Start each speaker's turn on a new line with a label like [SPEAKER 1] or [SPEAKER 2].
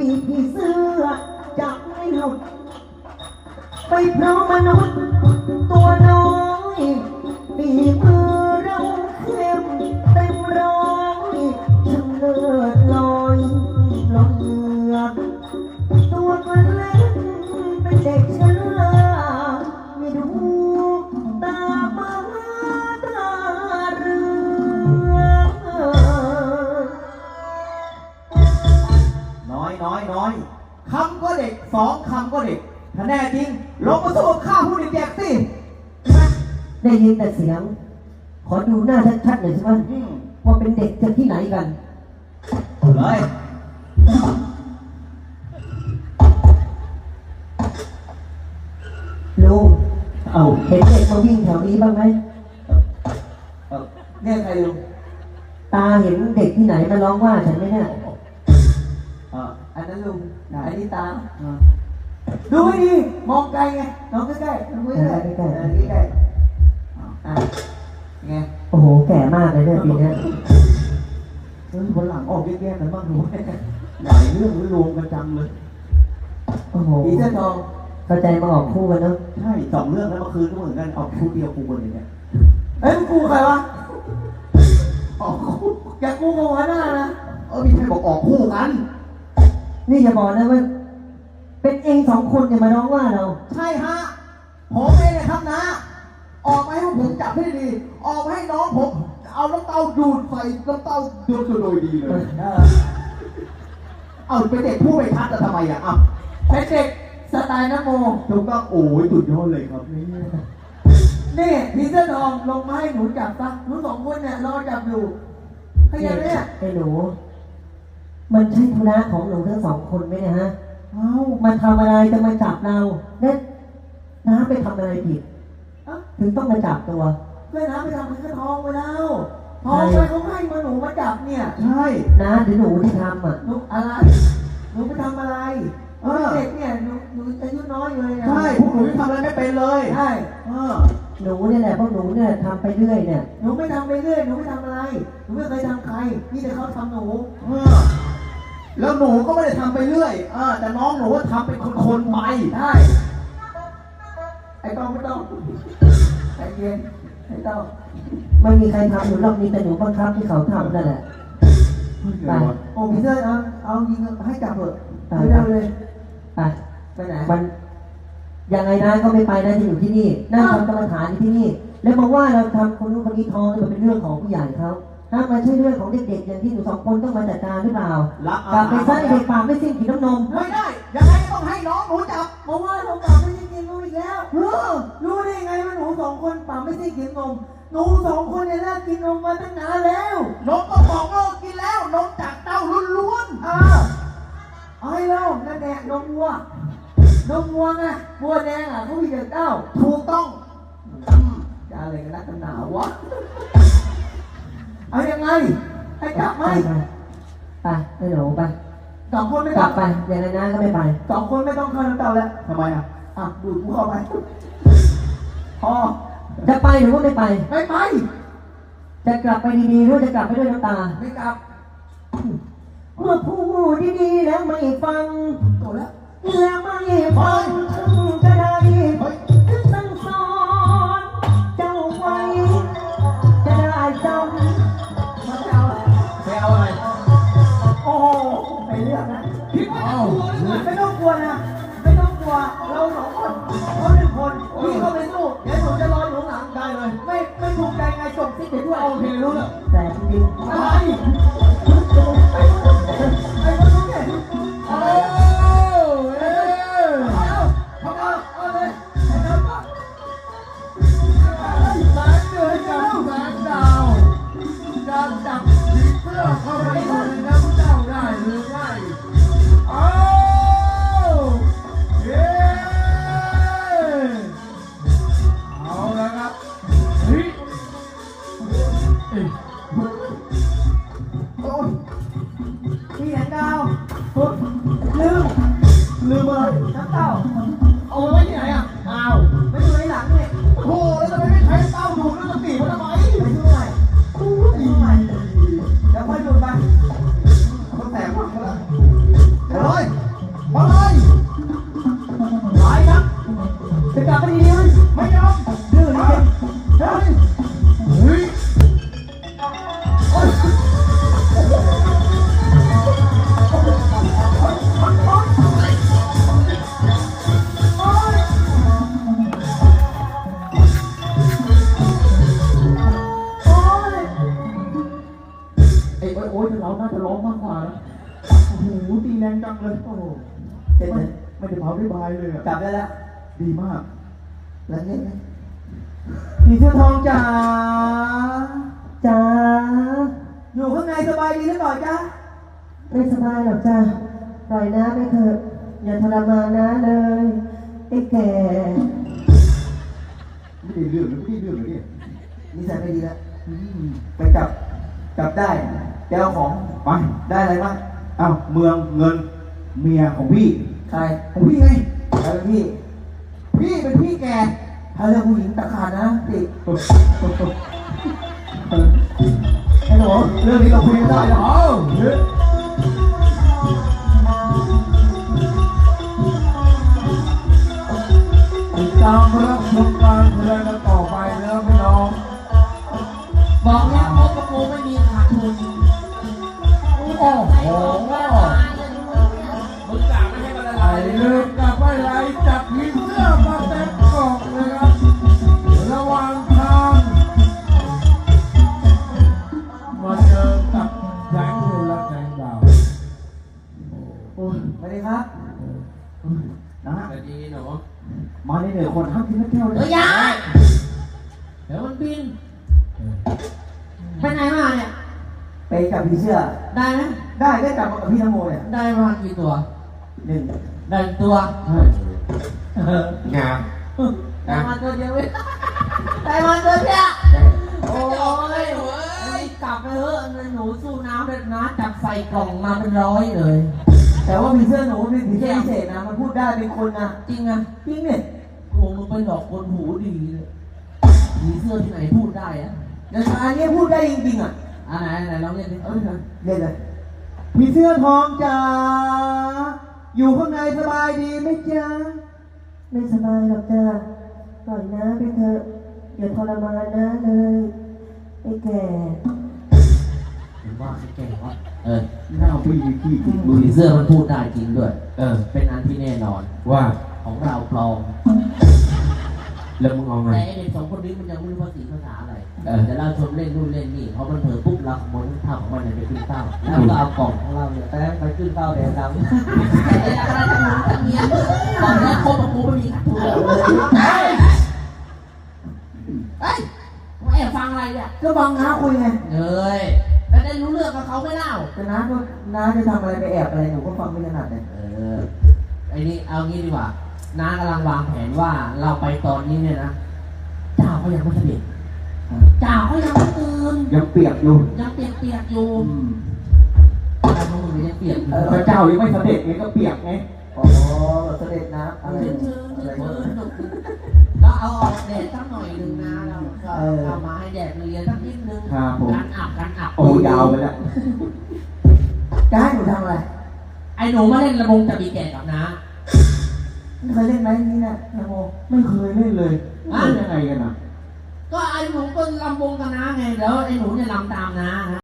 [SPEAKER 1] ปีกผีเสื้อจะไม่หลุดไปเพราะมนุษย์ตัวน้อยฝีมือเราเข้มเต็มร้อยช่างเลิศลอยลงเรือตัวมันเล็กเป็นเด็กช้าไม่ดูตามาตาเรือ
[SPEAKER 2] น้อยคำก็เด็กสองคำก็เด็กถ้าแน่จริงลงมาสู้กับข้าผู้เด็กๆสิ
[SPEAKER 1] ได้ยินแต่เสียงขอดูหน้าชัดๆหน่อยสิว่าเป็นเด็กจากที่ไหนกัน
[SPEAKER 2] เลย
[SPEAKER 1] ลุงเห็นเด็กมาวิ่งแถวนี้บ้างไหม
[SPEAKER 2] เนี่ยใครลุง
[SPEAKER 1] ตาเห็นเด็กที่ไหนมาร้องว่าฉันไหมเนี่ย
[SPEAKER 2] อันนั้นลุงอันนี้ตาดูให้ดีมองไกลไงน้องใกล้ๆดูใกล้ๆใกล้ๆไง
[SPEAKER 1] โอ้โหแก่มากเลยเนี่ยปีนี้
[SPEAKER 2] คนหลังออกแยกๆกันบ้างดูหลายเรื่องรวมกันจังเลย
[SPEAKER 1] โอ้โห
[SPEAKER 2] อีเสื้อทอง
[SPEAKER 1] เข้าใจมาออกคู่กันเนาะ
[SPEAKER 2] ใช่สองเรื่องแล้วเมื่อคืนก็เหมือนกันออกคู่เดียวคู่คนเลยเนี่ยมึงกูใครวะออกคู่แกกูกับหัวหน้านะมีใครบอกออกคู่กัน
[SPEAKER 1] นี่อย่าบอกนะว่าเป็นเองสองคนเนี่ยมาร้องว่าเรา
[SPEAKER 2] ใช่ฮะผมเองนะครับนะออกมาให้ผมจับให้ดีออกมาให้น้องผมเอาน้ำเต้าดูดใส่น้ำเต้าดูดโดยดีเลยเอาเป็นเด็กผู้ไม่ทัดแต่ทำไมอ่ะเป็นเด็กสไตล์น้ำโมถูกต้องโอ้ยสุดยอดเลยครับนี่พี่เสื้อทองลงมาให้หนูจับซะหนูสองคนเนี่ยรอจับอยู่ให้ยังเนี่ย
[SPEAKER 1] ไอ้หนูมันใช่ธุระของหนูทั้งสองคนไหมเนี่ยฮะมันทำอะไรจะมาจับเราเนี่ยน้าไปทำอะไรผิดถึงต้องมาจับตัว
[SPEAKER 2] เพื่อนน้าไปทำเพื่อนทองไปแล้วทองไปเขาให้มาหนูมาจับเนี่ยใช่
[SPEAKER 1] น้าหรือหนูที่ทำ
[SPEAKER 2] หนูอะไรหนูไปทำอะไรเด็กเนี่ยหนูอายุน้อยเลยใช่พวกหนูทำอะไรไม่เป็นเลยใช่
[SPEAKER 1] หนูเนี่ยแหละพวกหนูเนี่ยทำไปเรื่อยเนี่ย
[SPEAKER 2] หนูไม่ทำไปเรื่อยหนูไม่ทำอะไรหนูไม่เคยทำใครนี่แต่เขาทำหนูแล้วหนูก็ไม่ได้ทำไปเรื่อยแต่น้องหนูว่าทำเป็นคนๆไปใช่ไอ้ต้องไม่ต้องไอ้เย็นไอ้ต้อง
[SPEAKER 1] ไม่มีใครทำหนูหรอกมีแต่หนูบังคับที่เขาทำนั่นแหละ
[SPEAKER 2] ไปโอ้พี่เจ้าเอายิงให้จับเถอะไม่ได้เลย
[SPEAKER 1] ไปไหนมันยังไงนะก็ไม่ไปนะจะอยู่ที่นี่นั่งทำกรรมฐานที่นี่แล้วบอกว่าเราทำคนนู้นคนนี้ท้องนี่มันเป็นเรื่องของผู้ใหญ่เขาถ้ามันใช่เรื่องของเด็กๆอย่างที่หนูสองคนต้องมาจัดการหรือเปล่ากลับไปซะเด็กปากไม่สิ้นกินน้ำนม
[SPEAKER 2] ไม่ได้ยังไงต้องให้น้องหนูจับเพราะว่าเราปากไม่สิ้นกินนมอีกแล้วรู้ได้ไงว่าหนูสองคนปากไม่สิ้นกินนมหนูสองคนเนี่ยเลิกกินนมมาตั้งนานแล้วนมก็บอกเลิกกินแล้วนมจากเต้าล้วนๆเอาให้เรานั่นแหละนมวัวไงวัวแดงเขามีแต่เต้าถูกต้องจะอะไรกันนักกันหนาวะเอายังไงให้จับไหม
[SPEAKER 1] ไปให้หนูไป
[SPEAKER 2] สองคนไม่
[SPEAKER 1] กลับไปอย่างไรนะก็ไม่ไป
[SPEAKER 2] สองคนไม่ต้องเข้าน้ำเต้าแล้วทำไมดูดกูเข้าไปพอ
[SPEAKER 1] จะไปหรือว่าไม่ไป
[SPEAKER 2] ไม่ไป
[SPEAKER 1] จะกลับไปดีๆหรือจะกลับไปด้วยน้ำตา
[SPEAKER 2] ไม่กลับ
[SPEAKER 1] เมื่อพูดดีๆแล้วไม่ฟัง
[SPEAKER 2] โตแล้ว
[SPEAKER 1] ไม่ฟังถึงจะได้ถึงสั่งสอนเจ้าไว้จะได้จำ
[SPEAKER 2] มาไปเอาอะไรโอ้ไปเรื่องนะพี่ไม่ต้องกลัวนะไม่ต้องกลัวเราสองคนเขาหนึ่งคนพี่เข้าไปสู้เดี๋ยวผมจะรออยู่หลังได้เลยไม่ถูกใจไงจบที่เด็กด้วยโอเครู้แล้ว
[SPEAKER 1] แต่จริง
[SPEAKER 2] อะไรไอ้คนนู้นเนี่ยทำไง
[SPEAKER 3] แรงจังเลย
[SPEAKER 1] โอ้โหเจ็บเลย
[SPEAKER 3] ไม่ได้เผาได้บายเลยอะ
[SPEAKER 1] จับได้แล้ว
[SPEAKER 3] ดีมาก
[SPEAKER 1] แล้วเนี่ยนะผีเสื้อทองจ๋าจ๋าอยู่ข้างในสบายดีหรือเปล่าจ๊ะไม่สบายหรอกจ้ะปล่อยน้าไปเถอะอย่าทรมานน้าเลยไอ้แก่
[SPEAKER 3] ไม่ได้เรื่องเลยไม่ได้เรื่องเลยเนี่ย
[SPEAKER 1] นิสัยไม่ดีแล้วไปจับได้ไปเอาของ
[SPEAKER 3] ไป
[SPEAKER 1] ได้อะไรบ้าง
[SPEAKER 3] อ้าวเมืองเงินเมียของพี่
[SPEAKER 1] ใคร
[SPEAKER 3] ของพี่ไง
[SPEAKER 1] ใครเป็นพี่
[SPEAKER 3] พี่เป็นพี่แก
[SPEAKER 1] ถ้าเรื่องผู้หญิงตะขาดนะติไอ้หนู
[SPEAKER 3] เรื่องนี้เราคุยกันได้เหรอติดตามรับชมการแสดงกันต่อไปนะพี่น้อง
[SPEAKER 4] บอกแล้วพบกับกูไม่มีขาดทุน
[SPEAKER 3] โอ้โห
[SPEAKER 4] มึงกะไม่ให้มันละ
[SPEAKER 3] ไอ้
[SPEAKER 4] ลายเลย
[SPEAKER 3] เลิกกับไอ้ไรจับผีเสื้อมาเต็มกล่องเลยครับ ระหว่างทางมาเจอกับแสงเดือนและแสงดาว
[SPEAKER 1] สวัสดีครับ
[SPEAKER 3] นะ
[SPEAKER 4] แต่ดีหนู
[SPEAKER 3] มาในเหนือคนห้ามกินน้ำแก้วเล
[SPEAKER 4] เฮ้
[SPEAKER 3] ย
[SPEAKER 4] ยยาเดี๋ยวมันบิน ไปไหนมาเนี่ย
[SPEAKER 1] ไปจับผีเสื้อ
[SPEAKER 4] ได้ไหม
[SPEAKER 1] ได้จับมากับพี่นโมเนี่ย
[SPEAKER 4] ได้มากี่ตัว
[SPEAKER 1] หนึ่ง
[SPEAKER 4] ได้ตัว
[SPEAKER 3] ใช่งาม
[SPEAKER 4] ได้มาตัวเดียวเว้ยได้มาตัวเดียวโอ้ยกลับไปเถอะหนูสู้น้ำเด็ดนะจับใส่กล่องมาเป็นร้อยเลย
[SPEAKER 1] แต่ว่าผีเสื้อหนูเป็นผีเสื้อพิเศษนะมันพูดได้เป็นคนนะ
[SPEAKER 4] จริงอ่ะ
[SPEAKER 1] จริงเนี่ย
[SPEAKER 4] โอ้มึงไปหลอกคนหูดีเลยผีเสื้อที่ไหนพูดได้อะ
[SPEAKER 1] เดี๋ยวอันนี้พูดได้จริงๆอ่ะ
[SPEAKER 4] ไหนลองเล่นดิ
[SPEAKER 1] เล่นเลยผีเสื้อทองจ๋าอยู่ข้างในสบายดีไหมจ๊ะไม่สบายหรอกจ้ะปล่อยน้าไปเถอะอย่าทรมานน้าเลยไอ้แก่
[SPEAKER 4] เห็นว่าไอ้แก่วะ
[SPEAKER 3] หน้าพี่พี่
[SPEAKER 4] มือเสื้อมันพูดได้จริงด้วย เป็นอันที่แน่นอน
[SPEAKER 3] ว่า
[SPEAKER 4] ของเราปลอม
[SPEAKER 3] แล้วมึงเอาไง
[SPEAKER 4] แต่ไอ้เด็กสองคนนี้มันยังไม่รู้ภาษีภาษาอะไรแต่เราชมเล่นนู่นเล่นนี่พอมันเผลอปุ๊บเราขโมยข้าวของมันเนี่ยไปขึ้นเต้าแล้วก็เอากล่องของเราเนี่ยไปขึ้นเต้าแดงดำแต่อะไรจะหมุนจะเงี้ยตอนนี้คบกับกูไม่มีขาดทุนเฮ้ยมาแอบฟังอะไรเนี่ย
[SPEAKER 1] ก็บังน้าคุยไง
[SPEAKER 4] เอ้ยแล้วได้รู้เรื่องกับเขาไม่เล่า
[SPEAKER 1] แต่น้าจะทำอะไรไปแอบอะไรหนูก็ฟังไม่ถนัดเลย
[SPEAKER 4] ไอ้นี่เอางี้ดีกว่าน้ากำลังวางแผนว่าเราไปตอนนี้เนี่ยนะเจ้าเขายังไม่เสด็จเจ้าเขายังไม่ตื่น
[SPEAKER 3] ยังเปียกอยู่
[SPEAKER 4] ยังเปียกๆอยู่อะไรพวกมึงยังเปียกอยู่
[SPEAKER 3] พระเจ้ายังไม่เสด็จไงก็เปียกไง
[SPEAKER 1] อ๋อเสด็จนะอะไร
[SPEAKER 4] ชื้น
[SPEAKER 1] อะไร
[SPEAKER 4] ๆแล้วเอาออกแดดสักหน่อยหนึ่งนะเราก็เอามาให้แดดเรียนสักนิดนึง
[SPEAKER 3] ครับผม
[SPEAKER 4] กันอับ
[SPEAKER 3] โอ้ยาวไปแล้ว
[SPEAKER 1] จะให้หนูทำอะไร
[SPEAKER 4] ไอ้หนูมาเล่นระบงจะมีแก่กับน้า
[SPEAKER 1] เคยเล่นไหมนี่นะนโม
[SPEAKER 3] ไม่เคยเล่นเลยเล่นยังไงกันอ่ะ
[SPEAKER 4] ก็ไอ้หนูก็ลำวงกับน้าไงแล้วไอ้หนูเนี่ยลำตามน้านะ